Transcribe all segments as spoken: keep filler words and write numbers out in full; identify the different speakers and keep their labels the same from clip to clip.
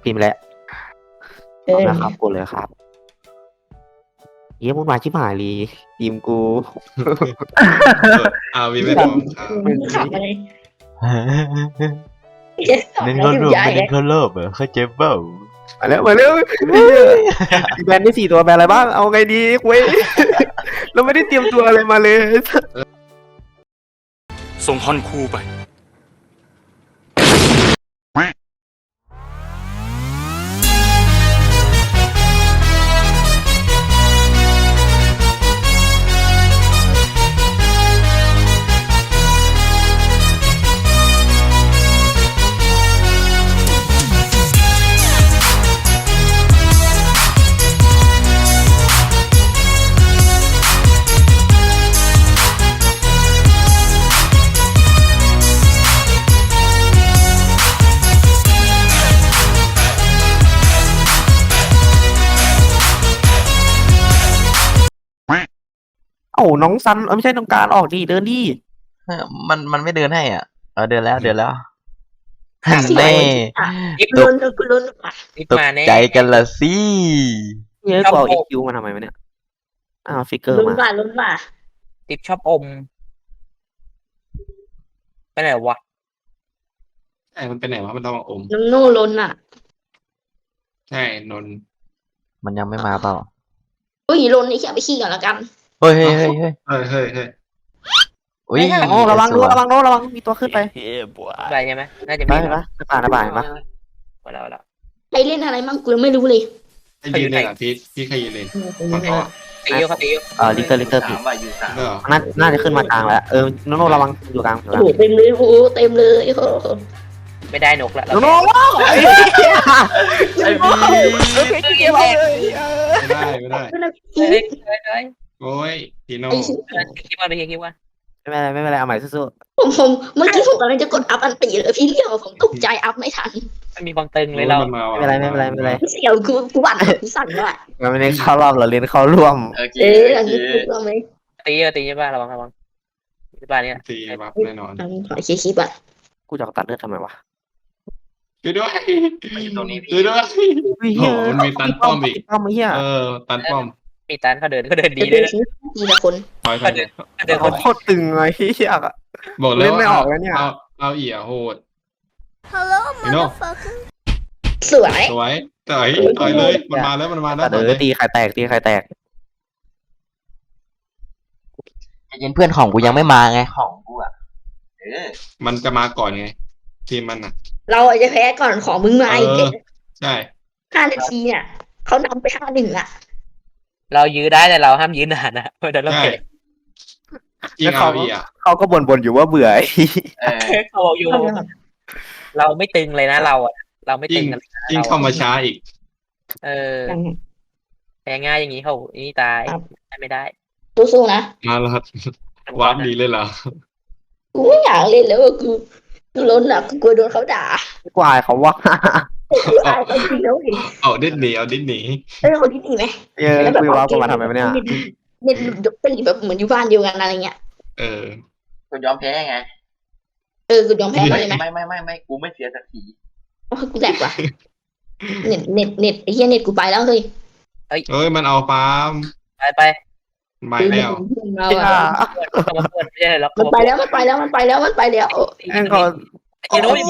Speaker 1: พิมพ์แล้ว
Speaker 2: เอ
Speaker 1: เอา
Speaker 2: อ
Speaker 1: ละครับกดเลยครับเยี่ยมวุ่นวายชิบหายลีทีมกู
Speaker 3: เอาวีไม่พร้อมครับ
Speaker 2: มึงขับอะไร
Speaker 4: เน้นเข้ารวมไม่เน้นเข้ารอบเหรอเข้าใจเปล่า
Speaker 1: มาแล้วมาแล้วแบนได้สี่ตัวแบนอะไรบ้างเอาไงดีเว้ย เราไม่ได้เตรียมตัวอะไรมาเลย
Speaker 5: ส่งฮอนคูไป
Speaker 1: เอ้าน้องซันเออไม่ใช่น้องการออกดิเดินดิ
Speaker 4: มันมันไม่เดินให้อ่ะเออเดินแล้วเดินแล้ว
Speaker 2: เสีย
Speaker 4: แน่
Speaker 2: กูลุ้นกูลุ้นอ่ะ
Speaker 4: ตกใจกันละสิ
Speaker 1: เฮ้ยกูเอาอีคิวมาทำไมวะเนี่ยอ้าวฟิกเกอร์
Speaker 2: ลุ้น
Speaker 1: มา
Speaker 2: ว่าลุ้นว่า
Speaker 6: ติ๊บชอบอมไปไหนวะ
Speaker 3: ใช่มันเป็นไหนวะมันต้องมาอม
Speaker 2: น้องโน่ลุ้นอ่ะ
Speaker 3: ใช่นนท์
Speaker 4: มันยังไม่มาเปล่า
Speaker 2: อุ้ยลุ้นนี่แค่ไปขี้ก่อนละกัน
Speaker 4: เฮ้ยเฮ้ยเฮ้ยเฮ้ย
Speaker 3: เฮ้ยเฮ้ยเฮ้ย
Speaker 4: อุ้ย
Speaker 1: โอ้ระวังดูระวังโน้ระวังมีตัวขึ้นไป
Speaker 6: อะไรใช่ไหมน่าจะ
Speaker 1: ไป
Speaker 6: มี
Speaker 1: เห็นปะในป่าในป่าเห็นปะ
Speaker 6: มาแล้วแล้ว
Speaker 2: ใครเล่นอะไรมั่งกูยังไม่รู้เลย
Speaker 3: ใครยืนเลยอ่ะพีทพี่ใครยืนเลยฝั่งเขาอ่ะ
Speaker 6: ตีเยอะครับตีเยอะ
Speaker 1: เออลิเตอร์ลิเตอร์ผิด
Speaker 3: เออ
Speaker 1: น่าน่าจะขึ้นมากลางแล้วเออโนโนระวังอยู่กลางอยู่ก
Speaker 2: โอ้
Speaker 1: ลาง
Speaker 2: โหเต็มเลยโอ้โหเต็มเลยโอ้โห
Speaker 6: ไม่ได้นกละ
Speaker 1: โนโนว้าวไอ้
Speaker 4: ไอ้บี
Speaker 1: เกมเอาเลย
Speaker 3: ไม่ได้ไม่ได้
Speaker 2: ไม่ได้
Speaker 6: เฮ้ยเฮ้ยเฮ้ย
Speaker 3: โอ้ยพีโน่
Speaker 2: ไอ้ชิ
Speaker 6: คิดว่าไปคิดว่า
Speaker 1: ไม่เป็นไรไม่เป็นไรเอาใหม่สู้
Speaker 2: ผมผมเมื่อกี้ผมกำลังจะกดอัพอันตีเลยพี่เรียกผมตกใจอัพไม่ทัน
Speaker 6: มันมีความตึงเลยเรา
Speaker 3: มันมา
Speaker 1: ๆ
Speaker 3: ว่ะ
Speaker 1: ไม่เป็นไรไม่เป็นไรไม่เป็นไร
Speaker 2: เสียวกูกูหวั่นกูสั่นด้วย
Speaker 1: เราไม่ได้เข้ารอบเราเล่นเข้าร่วม
Speaker 4: โอเค
Speaker 2: เออ
Speaker 4: โอ
Speaker 2: อัน
Speaker 4: เค
Speaker 2: นี้กูก็ไม่
Speaker 6: ตีเยอะตีเยอะบ้าระวังระวังที่บ้านเนี่ย
Speaker 3: ตีบัฟแน่นอน
Speaker 2: อันขอเชียร์คลิปอ่ะ
Speaker 1: กูจะตัดเลือดทำไมวะ
Speaker 3: ช่วยด้วย
Speaker 4: มาอยู่ตรงนี้พี่
Speaker 3: ช่วยด้วย โอ้โหมันมีตันป้อมอีก
Speaker 1: ป้อมไอ้เหี้ย
Speaker 3: เออตันป้อม
Speaker 6: มีตันเขาเดินเขาเดินดี
Speaker 2: เดี๋
Speaker 6: ด้วย
Speaker 2: ยวชีวิตทีละคน
Speaker 3: ถอยถอย
Speaker 6: เดินค
Speaker 1: เขา
Speaker 6: น
Speaker 1: โคตรตึงเลยเหี้ยอะ
Speaker 3: บอกเลย
Speaker 1: เล่นไม่
Speaker 3: ว่า
Speaker 1: ออกแล้วเนี่ย
Speaker 3: เอาเอาเอี่ยโหดพีโน่
Speaker 2: สวย
Speaker 3: สวยต่อยต่อยเลยมันมาแล้วมันมาแล้ว
Speaker 1: แต่
Speaker 3: ต่อย
Speaker 1: เอ
Speaker 3: เล
Speaker 1: อย ตีใครแตกตีใครแตก
Speaker 4: ใจเย็นเพื่อนของกูยังไม่มาไงของกูอ่ะเออ
Speaker 3: มันจะมาก่อนไงทีมมันอ่ะ
Speaker 2: เราอาจจะแพ้ก่อนของมึงมาอีก
Speaker 3: เออ ใช่
Speaker 2: ห้านาทีเนี่ยเขานำไปห้าหนึ่งอ่ะ
Speaker 6: เรายื้อได้แต่เราห้ามยื้อนานนะเพราะเดี๋ยวเรา
Speaker 3: ใช่
Speaker 6: เก็บ
Speaker 3: จริงเอาอีอ่ะ
Speaker 1: เขาก็บ่นๆอยู่ว่าเบื่อ
Speaker 4: เออ
Speaker 6: เขาบอกอยู่เราไม่ตึงเลยนะเราอ่ะเราไม่
Speaker 3: จริ
Speaker 6: ตึ
Speaker 3: ง
Speaker 6: งกัน
Speaker 3: จริงเข้ามาช้าอีก
Speaker 6: เออแพ้ง่ายอย่างนี้เขานี่ตายไม่ได้
Speaker 2: สู้ๆนะ
Speaker 3: มาแล้วครับวาร์ปดีเลยเหรอ
Speaker 2: กูไม่อยากเล่นแล้วอะกูกูล้นอ่ะกูกลัวโดนเขาด่า
Speaker 1: กวายเขาว่า
Speaker 2: กูอายเขาจริงแล้วเห็น
Speaker 3: เอาดิ้นหนีเอาดิ้นหนี
Speaker 2: เออคนที่ดีไหม
Speaker 1: เออคุยว่ากูมาทำไมวะเนี่ย
Speaker 2: เน็ตยกเป็นแบบเหมือนอยู่บ้านเดียวกันอะไรเงี้ย
Speaker 3: เออ
Speaker 4: กูยอมแพ้ไง
Speaker 2: เออกูยอมแพ้เขาเลยไหม
Speaker 4: ไม่ไม่ไม่ไม่กูไม่เสียสักที
Speaker 2: โอ้ยกูแหลกว่ะเน็ตเน็ตเน็ตไอ้เหี้ยเน็ตกูไปแล้วเฮ้ย
Speaker 3: เอ้ยมันเอาปาล์ม
Speaker 6: ไปไป
Speaker 3: ไม่แล้ว
Speaker 2: เราอะ
Speaker 6: เขามาเปิดไม่ใช่หรอก
Speaker 2: มันไปแล้วมันไปแล้วมันไปแล้วมันไปแล้วโอ้ย
Speaker 1: แม่งเขา
Speaker 2: โอ้ยโอ้ย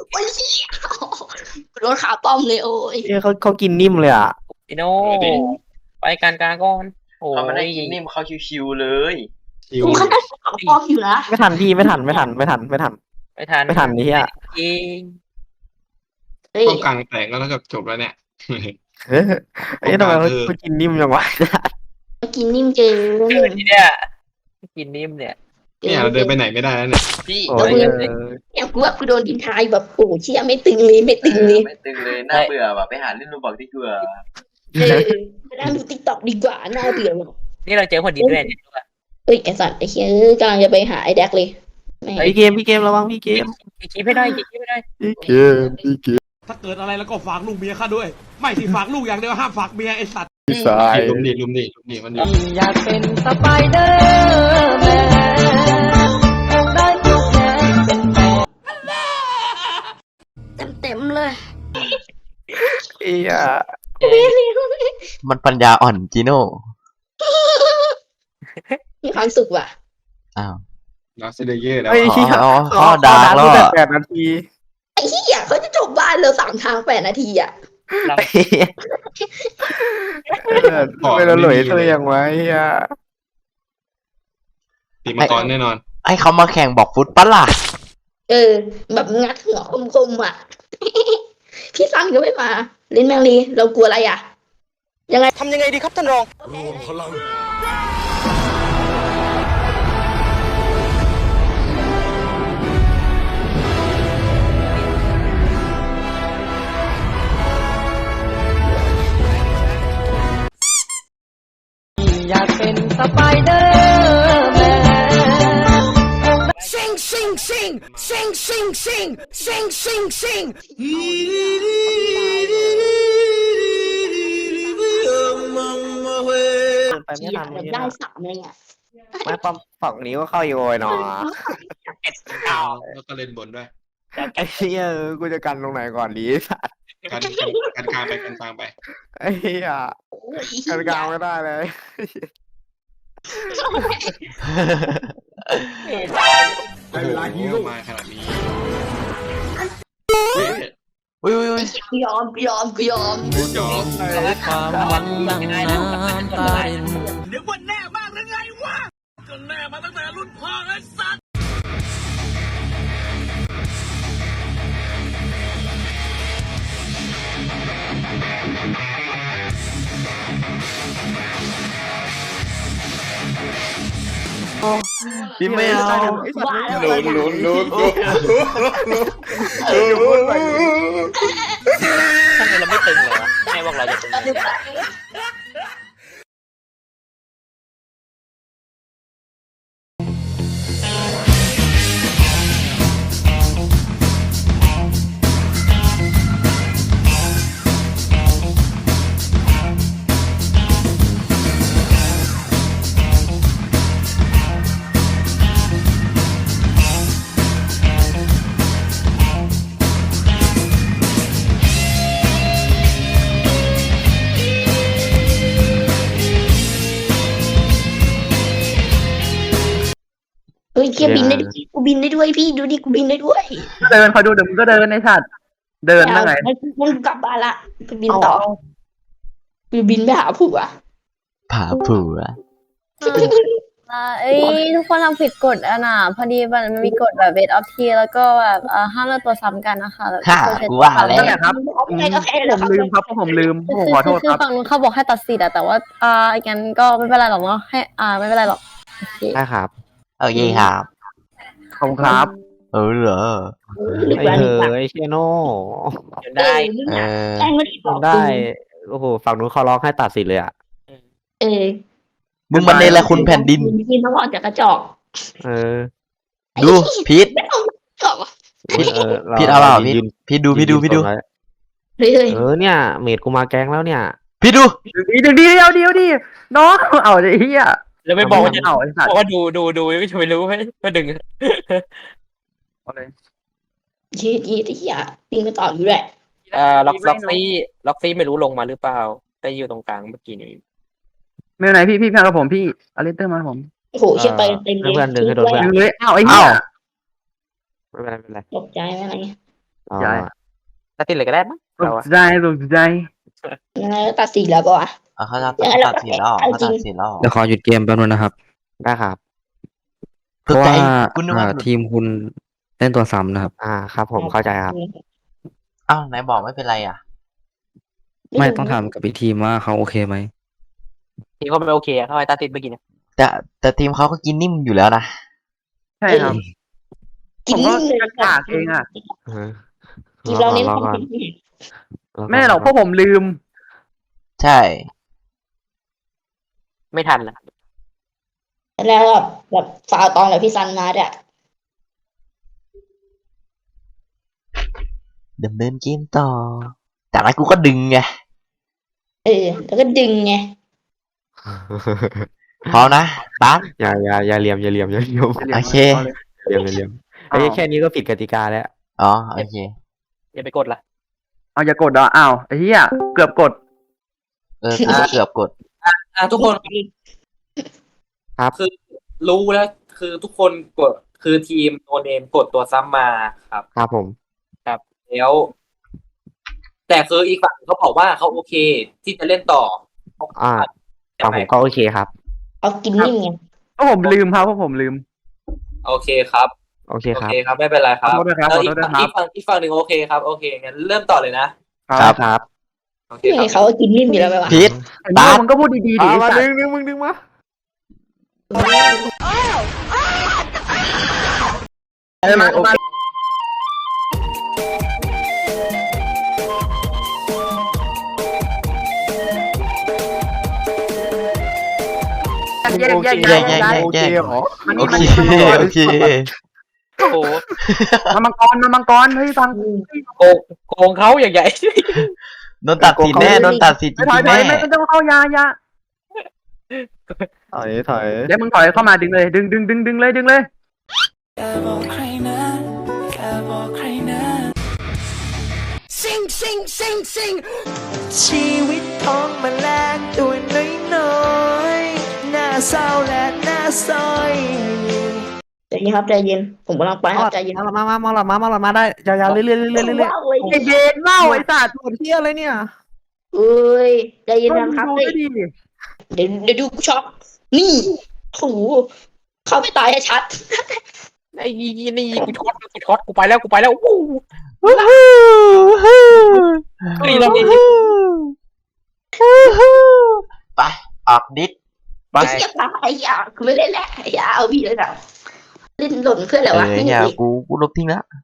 Speaker 2: กูโดนขาป้อมเลยโอ้ย
Speaker 1: เอ้ยเขาเขากินนิ่มเลยอ่ะ
Speaker 6: พี่โน่ไปการกลางก่อนโอ้
Speaker 4: เขาไม่ได้
Speaker 6: ย
Speaker 4: กินนิ่มเขาชิวๆเลย
Speaker 3: คิว
Speaker 2: กูขนาดขาป้อมอยู่นะ
Speaker 1: ไม่ทันพี่ไม่ทันไม่ทันไม่ทันไม่ทัน
Speaker 6: ไม่ทัน
Speaker 1: ไม่ทันนี่อ่ะ
Speaker 6: จริง
Speaker 2: เฮ้ย
Speaker 3: ป้องกลางแตกแล้วแล้วก็จบแล้วเนี่ย
Speaker 1: เฮ้ยไอ้ยทำไมเขาเขากินนิ่มจังวะ
Speaker 2: มากินนิ่มเจอ
Speaker 6: ทีเนี้ยกินนิ่มเนี่ย
Speaker 3: เนี่ยเราเดินไปไหนไม่ได้แล้วเนี่ย
Speaker 4: พี่
Speaker 1: โอ้ย
Speaker 2: เนี่ยกูว่ากูโดนดินทายแบบโอ้เชี่ยไม่ตึงเลยไม่ตึงเลย
Speaker 4: ไม่ตึงเลยน่าเบื่อว่ะไปหาเล่นรูบอกที่เบื่อ
Speaker 2: เออไปนั่งดูติ๊กต็อกดีกว่าน่าเบื่อว่ะ
Speaker 6: นี่เราเจอคนดีด้วยเนี่ย
Speaker 2: เอ้ยไอสัตว์ไอเชี่ยกำลังจะไปหาไอแดกเลยแม่ง
Speaker 1: พี่เกมพี่เกมระวังพี่เกม
Speaker 6: คิดไม่ได้คิดไม่ได้
Speaker 1: พี่เกมพี่เกม
Speaker 5: ถ้าเกิดอะไรแล้วก็ฝากลูกเมียข้าด้วย ไม่สิฝากลูกอย่างเดียวห้ามฝากเมียไอ้สัตว์
Speaker 1: พี่สาย
Speaker 3: ลุมดิลุมดิลุมดิมันอยู่
Speaker 7: อยากเป็นสไปเดอร์แมนได้ทุกแง่เป็นแฟน
Speaker 2: เต็มเต็มๆเลย
Speaker 1: เหี้ย
Speaker 4: มันปัญญาอ่อนจีโน่
Speaker 2: มีความสุขว่ะ
Speaker 4: อ้าว
Speaker 3: ลอสเลเยอร์แล้ว
Speaker 1: ไอ้เหี้ย
Speaker 4: อ๋อ
Speaker 1: เขา
Speaker 4: เขาดาร์กแล้ว
Speaker 1: ตั้งแต่
Speaker 4: อะ
Speaker 1: แปดนาที
Speaker 2: ไอ้เหี้ยเขาจะจบบ้านเราสามทางแปดนาทีอ่ะ
Speaker 6: เรา
Speaker 1: ไอ้เหี้ยเออทำไมเราหลอยตัวอย่างไว้เหี้ย
Speaker 3: ตีมังกรแน่นอน
Speaker 4: ไอ้เขามาแข่งบอกฟุตปะล่ะ
Speaker 2: เออ แบบงัดหัวคมๆอ่ะ พี่ซันก็ไม่มาเล่นแมงลีเรากลัวอะไรอ่ะ ยังไง
Speaker 6: ทำยังไงดีครับท่านรอง
Speaker 7: อยากเป็นสไปเดอร์แมน
Speaker 8: Sing, sing, sing, sing, sing, sing, sing, sing, sing.
Speaker 1: ไปไม่
Speaker 2: เหี้ย
Speaker 1: ทัน
Speaker 2: แบบ
Speaker 1: นี่
Speaker 2: ได้
Speaker 1: นะ
Speaker 2: สามเลยอ่ะ
Speaker 1: ไม่ปั๊มฝั่งนี้ก็เข้าอยู่เลยเนาะ
Speaker 3: แล้วก็เล่นบนด้วย
Speaker 1: ไอ้เหี้ยกูจะกันตรงไหนก่อนดีสัตว์
Speaker 3: กันกันกลางไปกันกลางไป
Speaker 1: ไอ้เหี้ย
Speaker 2: โอ้ย
Speaker 1: กันกลางไม่ได้เลย
Speaker 3: โอ้โหมาขนาดนี้เฮ้ย
Speaker 4: อุ้ยอุ้ยอุ้ย
Speaker 2: กูยอมกูยอมกูยอม
Speaker 3: ยอม
Speaker 7: ความหวังดังน้ำตาริน
Speaker 8: เดี๋ยววันแน่มากหรือไงวะก็แน่มาตั้งแต่รุ่นพ่อไอ้สัตว์
Speaker 1: พี่ไม่เอาไอ้สัตว์
Speaker 3: ลุ้นลุ้นลุ้นลุ้น
Speaker 6: ทำไมเราไม่ตึงเลยวะแม่บอกเราจะตึง
Speaker 2: เฮ้ยเคียบินได้ด้วยกูบินได้ด้วยพี่ดูดิกูบินได้ด้วย
Speaker 1: เดินคอยดูเดี๋ยวมึงก็เดินไอ้สัตว์เดินนั่งไง
Speaker 2: มันมันกลับบ้านละไปบินต่อไปบินไปหาผัว
Speaker 4: ผาผัว
Speaker 9: อ่าเอ้ยทุกคนทำผิดกฎอ่ะนะพอดีมันมีกฎแบบเบสออฟทีแล้วก็แบบเอ่อห้ามเลือกตัวซ้ำกันนะคะแบบ
Speaker 4: ค่ะ
Speaker 9: ตัวเช็ด
Speaker 4: กูว่าแล้ว
Speaker 1: นั่นแหละครับ
Speaker 2: โอเคโอเคเลย
Speaker 1: ผมลืมครับผมลืม
Speaker 9: คือ
Speaker 1: ผม
Speaker 9: คือ
Speaker 1: ขอโทษ
Speaker 9: คื
Speaker 1: ค
Speaker 9: อ
Speaker 1: รับ
Speaker 9: ฝั่งนู้นเขาบอกให้ตัดสิทธิ์อะแต่ว่าอ่างั้นก็ไม่เป็นไรหรอกเนาะให้อ่าไม่เป็นไรหรอกโอเค
Speaker 1: ได้ครับ
Speaker 4: โอเคครับ
Speaker 1: ขอบคุณครับ
Speaker 4: เออเหรอ
Speaker 2: หรือ
Speaker 1: ไอ้
Speaker 2: ว่า
Speaker 1: เอ
Speaker 2: หรือว่า
Speaker 1: อไอ้เชโน่
Speaker 6: จนได้
Speaker 4: เออ
Speaker 2: แม่งไม่ได้บอก
Speaker 1: ได้โอ้โหฝั่งนู้นเขาร้องให้ตัดสินเลยอ่ะ
Speaker 2: เออ
Speaker 4: มึงมันเนรคุณแผ่นดิน
Speaker 2: กินต้องออกจากกระจอก
Speaker 1: เออ
Speaker 4: ดูพีท
Speaker 2: ไม่ต้องจอก
Speaker 1: เออ
Speaker 4: พีทเอาเปล่าพีท
Speaker 1: ยืน
Speaker 4: พีทดูพีทดูพีทดู
Speaker 1: ยืนตรงนั้น
Speaker 2: เฮ้ยเฮ้ย
Speaker 1: เออเนี่ยเมดกูมาแก๊งแล้วเนี่ย
Speaker 4: พีทดู
Speaker 1: เดี๋ยวเดียวเดียวดิน้องเอาไอ้เหี้ย
Speaker 6: แล้วไม่บอกว่าจะ
Speaker 1: เอาไอ้สัต
Speaker 6: บ
Speaker 1: ว์
Speaker 6: อกว่าดูดูดูก็จะไม่รู้ให้ก็ดึง
Speaker 1: เอาเลย
Speaker 2: ยีดยีดที่อ่ะปิงมาต่ออยู่แหละ
Speaker 6: เอ่อล็อกล็อกซี่ล็อกซี่ไม่รู้ลงมาหรือเปล่า แต่อยู่ตรงกลางเมื่อกี้นี้
Speaker 1: ไม่เป็นไรพี่พี่พังกับผมพี่อเลนเตอร์มาผม
Speaker 2: โอ้โหเชี่ยไปเต็มเลย
Speaker 1: เพื่อนดึงให้โดนเพื่อน เลยอ้าวไอ้เหี้ยไม่เป็นไรไม่เป็นไร
Speaker 2: ตกใจไหมอะไรเงี้ย
Speaker 1: อ๋อ
Speaker 6: ตัดติดเลยก็ได้มั้ง
Speaker 1: ต
Speaker 6: เรา
Speaker 1: ก
Speaker 6: อะ
Speaker 1: ใจตกใจ
Speaker 2: ยังไงก็ตัดสินแล้วป่ะวะ
Speaker 4: อ่ะเขาจะ
Speaker 2: ยังไงเรา
Speaker 4: ตัดสินแล้วเหรอ
Speaker 2: เอา
Speaker 4: เขา
Speaker 2: จริ
Speaker 4: ตั
Speaker 2: ง
Speaker 4: ดสินแล้วเหรอ
Speaker 10: เดี๋ยวขอหยุดเกมแป๊บนึงนะครับ
Speaker 1: ได้ครับ
Speaker 10: เพราะว่า
Speaker 4: คุณนึก
Speaker 10: อ่า
Speaker 4: ว่าหลุด
Speaker 10: ทีมคุณเล่นตัวซ้ำนะครับ
Speaker 1: อ่าครับผมเข้าใจครับ
Speaker 4: อ้าวไหนบอกไม่เป็นไรอ่ะ
Speaker 10: ไม่ต้องถามกับอีกทีมว่าเขาโอเคไหม
Speaker 6: ทีเขาไม่โอเคอะเขาให้ตัดติดเมื่อกี้เนี่ย
Speaker 4: แต่แต่ทีมเขาก็กินนิ่มอยู่แล้วนะ
Speaker 1: ใช่ครับ
Speaker 2: กิน
Speaker 1: ผมก็
Speaker 2: นิ่มเลย
Speaker 1: กากเองอะ
Speaker 2: กินเราเน้น
Speaker 1: ร
Speaker 2: ค
Speaker 1: อ
Speaker 2: วาม
Speaker 1: ก่อน
Speaker 2: ผิด
Speaker 1: ไม่หรอกพวกผมลืม
Speaker 4: ใช่
Speaker 6: ไม่ทันละ
Speaker 2: แล้วแบบแบบฟาวตอนแบบพี่ซันมาเนี่ย
Speaker 4: ดำเนินเกมต่อ จากนั้นกูก็ดึงไง
Speaker 2: เออ แล้วก็ดึงไง
Speaker 4: พร้อมนะปั๊บ
Speaker 1: อย่าอย่าอย่าเหลี่ยมอย่าเหลี่ยมอย่าเหลี่ยม
Speaker 4: โอเค
Speaker 1: เหลี่ยมอย่าเหลี่ยมไอ้แค่นี้ก็ผิดกติกาแล้ว
Speaker 4: อ๋อโอเค
Speaker 6: อย่าไปกดละ
Speaker 1: เอาอย่ากดอ่ะอ้าวไอ้เหี้ยเกือบกด
Speaker 4: เออกูเกือบกด
Speaker 6: อ่ะทุกคน
Speaker 1: ครับ
Speaker 6: คือรู้แล้วคือทุกคนกดคือทีมโนเนมกดตัวซ้ำมาครับ
Speaker 1: ครับผม
Speaker 6: ครับ แล้ว แต่คืออีกฝั่งเขาบอกว่าเขาโอเค ที่จะเล่นต่อ
Speaker 1: อ่า
Speaker 6: ใช่
Speaker 1: ฝั่ง
Speaker 6: ไห
Speaker 1: ผม มก็โอเคครับ
Speaker 2: เอากินนิ่มไง
Speaker 1: ก็ผมลืมครับเพราะผมลืม
Speaker 6: โอเคครับ
Speaker 1: โอเค
Speaker 6: โอ
Speaker 1: ครับ
Speaker 6: เคครับไม่เป็นไรครับ
Speaker 1: ขอโทษด้วยครับ
Speaker 6: แล้ว
Speaker 1: ขอ
Speaker 6: อี
Speaker 1: โท
Speaker 6: ก
Speaker 1: ษด้วย
Speaker 6: ฝั่ง
Speaker 1: ครับ
Speaker 6: อีกฝั่งอีกฝั่งหนึ่งโอเคครับโอเคงั้นเริ่มต่อเลยนะครับ
Speaker 1: ครับ
Speaker 6: โอเค
Speaker 2: นี่
Speaker 6: ค
Speaker 2: ไง
Speaker 6: รับ
Speaker 2: เขากินนิ่มอยู่แล้วไปวะ
Speaker 4: พีท
Speaker 1: ไอ้โม่มึงก็พูดดีๆดิ
Speaker 11: เอา
Speaker 1: ไอ้
Speaker 11: มา
Speaker 1: สัต
Speaker 11: ดึง
Speaker 1: ว์
Speaker 11: ดึงมึงดึงมา
Speaker 1: เออมาโอเคแยกแยก
Speaker 4: แย
Speaker 1: แย
Speaker 4: ก
Speaker 1: ก
Speaker 4: แยก
Speaker 1: แยก
Speaker 4: แยก
Speaker 11: โอ
Speaker 4: แย
Speaker 11: เค
Speaker 4: ก
Speaker 11: เหรอ
Speaker 1: มัน
Speaker 4: โอ
Speaker 1: นี่
Speaker 4: เค
Speaker 1: มัน
Speaker 4: โอเค
Speaker 6: โอ้โห
Speaker 1: มามังกรมามังกรเฮ้ยฟัง
Speaker 6: โกงโกงเขาอย่างใหญ่
Speaker 4: โดนตัดสินแน่โดนตัดสินจ
Speaker 1: ถอย
Speaker 4: ริง
Speaker 1: ถ
Speaker 4: ๆ
Speaker 1: อย
Speaker 4: แน่
Speaker 1: ไม่ต้องเข้ายายา
Speaker 11: ถอยถอย
Speaker 1: เดี๋ยวมึงถอยเข้ามาดึงเลยดึงดึงดึงดึงเลยดึงเลย
Speaker 7: ซิงซิงซิงซิงชีวิตของแมลงตัวน้อยๆหน้าเศร้าและหน้าซอย
Speaker 2: ใจเย็นครับใจเย็นผมกำลังไปครับใจเย็น
Speaker 11: มามามามาหลอดมามาหลอดมาได้ยาวๆเรื่อยๆเรื่อยๆเรื่อยๆเรื่อย
Speaker 2: ว้าวเลย
Speaker 1: ไอเบนเล่าไอสัตว์หมดเที่ยอะไรเนี่ย
Speaker 2: เอ้ยใจเย็นนะครับ
Speaker 1: ดู
Speaker 2: เฮ้ย
Speaker 1: ได้ดี
Speaker 2: เดี๋ยวเดี๋ยวดูกูช็อกนี่โอ้โหเข้าไปตายให้ชัด
Speaker 6: ไอ้นี่นี่กูช็อตกูช็อตกูไปแล้วกูไปแล้ววู้นี่เรามี
Speaker 4: ไปออกดิส
Speaker 2: ไอ้เหี้ยตายไอ้ยากูไม่เล่นแล้วไอ้ยาเอาพี่เลยนะเล่นหล่นเพื่อนแหละ
Speaker 4: เอ
Speaker 2: วะ
Speaker 4: อ
Speaker 2: ไม่
Speaker 4: อย่า
Speaker 2: มี
Speaker 4: กูกูลบทิ้งแล้ว